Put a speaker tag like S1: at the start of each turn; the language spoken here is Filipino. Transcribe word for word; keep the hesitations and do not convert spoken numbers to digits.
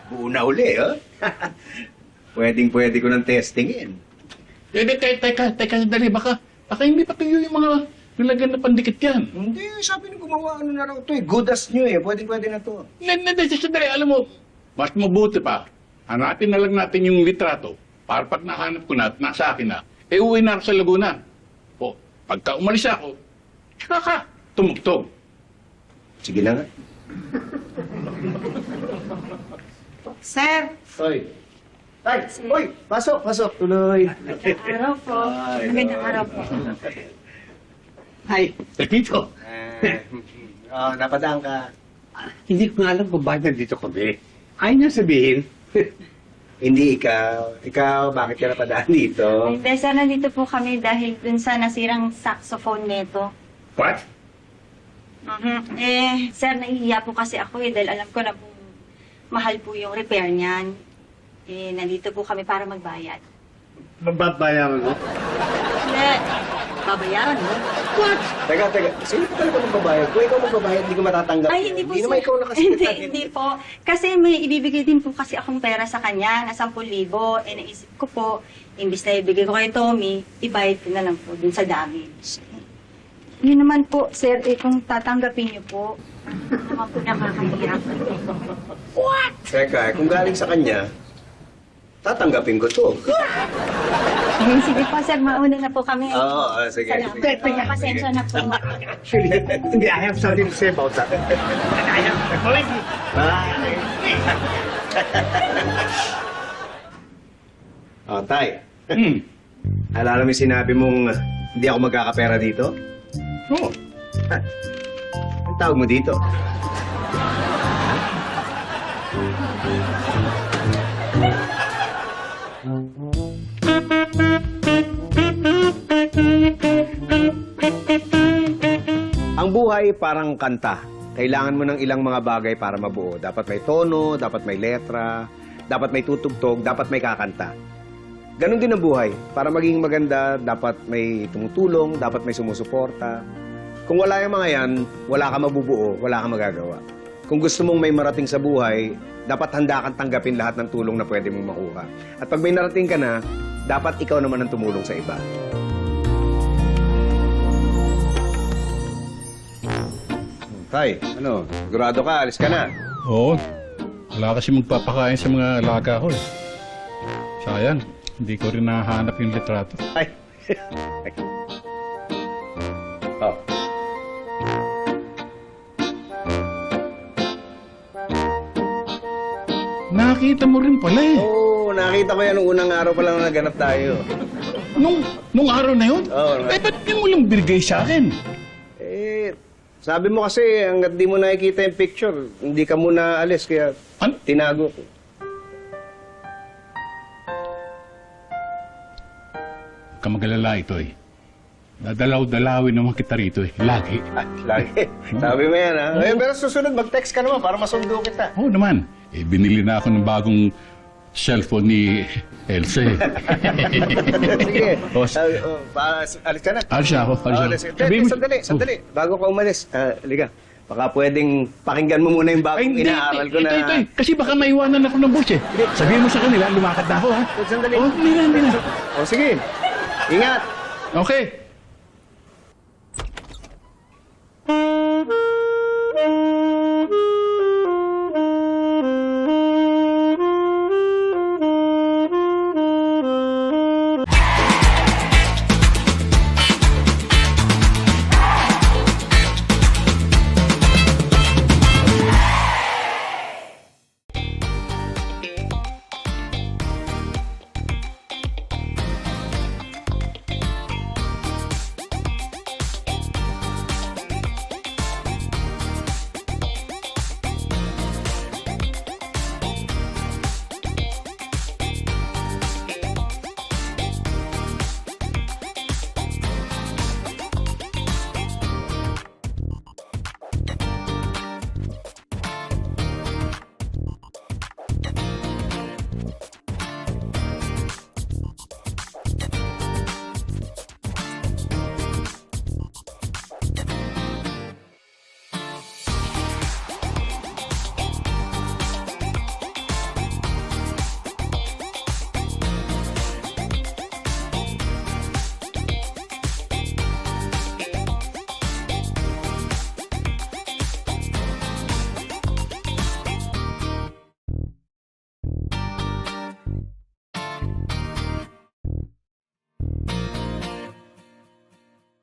S1: buo na uli, oh. Pwedeng-pwede ko ng testingin.
S2: Eh, di, teka, teka, teka, dali, baka, baka hindi pa tuyo yung mga nilagyan na pandikit yan.
S1: Hindi, sabi ng gumawa, ano na raw ito eh. Good as new eh. Pwedeng-pwede na to.
S2: Hindi, hindi, sandali, alam mo, mas mabuti pa, hanapin na lang natin yung litrato para pag nahanap ko na at nasa akin na, eh uwi na ako sa Laguna. O, pagka umalis ako, tsaka ka, tumugtog.
S1: Sige na nga.
S3: Sir,
S1: Hoy. Tay, hoy, pasok, pasok, tuloy.
S3: araw po.
S1: Ay,
S3: Magandang araw po.
S4: Ay,
S2: Pepito,
S1: Eh, oh, napadaan ka.
S4: hindi ko nga alam kung bakit nandito kami. Ayaw niya sabihin.
S1: Hindi ikaw. Ikaw, bakit ka napadaan dito?
S3: Hindi, sir, nandito po kami dahil dun sa nasirang saxophone neto.
S2: what?
S3: Mhm. Eh, sir, nahihiya po kasi ako eh dahil alam ko na po mahal po yung repair niyan. Eh, nandito po kami para magbayad.
S4: Mababayaran mo?
S3: Hindi, babayaran mo.
S4: What?
S1: Teka, teka. Sino pa talaga magbabayad? Kung ikaw magbabayad, hindi ko matatanggap.
S3: Ay, hindi po,
S1: Hindi
S3: sir.
S1: naman ikaw nakasikip
S3: Hindi,
S1: natin.
S3: hindi po. Kasi may ibibigay din po kasi akong pera sa kanya na sampu libo. Eh, naisip ko po, imbis na ibigay ko kay Tommy, ibayad ko na lang po dun sa damage. Yun naman po, sir, eh, kung tatanggapin niyo po, naman po nakakahirap.
S1: Teka, eh, kung galing sa kanya, tatanggapin ko to.
S3: Eh, sige po, sir, mauna na po kami.
S1: Oo, ah, sige,
S3: Salamat
S1: sige.
S3: po. Pasensya na po.
S4: Actually, hindi, I have something to say about that. I have...
S1: Oh, Tay.
S2: Hmm.
S1: Alala mo yung sinabi mong uh, hindi ako magkakapera dito?
S2: Oo.
S1: Ha? Ang tawag mo dito? Ang buhay parang kanta. Kailangan mo ng ilang mga bagay para mabuo. Dapat may tono, dapat may letra, dapat may tutugtog, dapat may kakanta. Ganon din ang buhay. Para maging maganda, dapat may tumutulong, dapat may sumusuporta. Kung wala yung mga yan, wala ka mabubuo, wala ka magagawa. Kung gusto mong may marating sa buhay, dapat handa kang tanggapin lahat ng tulong na pwede mong makuha. At pag may narating ka na, dapat ikaw naman ang tumulong sa iba. Tay, ano, sigurado ka, alis ka na.
S2: Oo. Wala kasi magpapakain sa mga alaga ko eh. Sayang, hindi ko rin nahanap yung litrato.
S1: Ay. Oh.
S2: Nakita mo rin pala eh.
S1: Oo, nakita ko yan nung unang araw pa lang na naganap tayo.
S2: Nung, nung araw na yun?
S1: Oo.
S2: Eh, ba't di mo lang binigay sa akin?
S1: Eh, sabi mo kasi hanggat di mo nakikita yung picture, hindi ka muna alis, kaya
S2: Ano?
S1: tinago ko.
S2: Huwag ka magalala ito eh. Dadalaw-dalawin naman kita rito eh. Lagi.
S1: Ah, lagi. Sabi mo yan, ha? Eh, pero susunod, mag-text ka naman para masundo kita.
S2: Oo naman. Eh, binili na ako ng bagong cellphone ni Elsa eh.
S1: Sige.
S2: Oh,
S1: Ah, oh, pa- alis ka na.
S2: Alis na ako. Alis
S1: Oh,
S2: na
S1: alis.
S2: ako.
S1: Teka,
S2: Sabihin mo-
S1: sandali, sandali. Bago ka umalis, ah, liga. Baka pwedeng pakinggan mo muna yung
S2: Ay,
S1: bagong
S2: hindi.
S1: inaaral ko na...
S2: Ito, ito eh. Kasi baka maiwanan ako ng bus eh. Sabihin mo sa kanila, lumakad na ako ha.
S1: Sandali.
S2: Oh, hindi na, hindi na.
S1: Oh, sige. Ingat.
S2: Okay.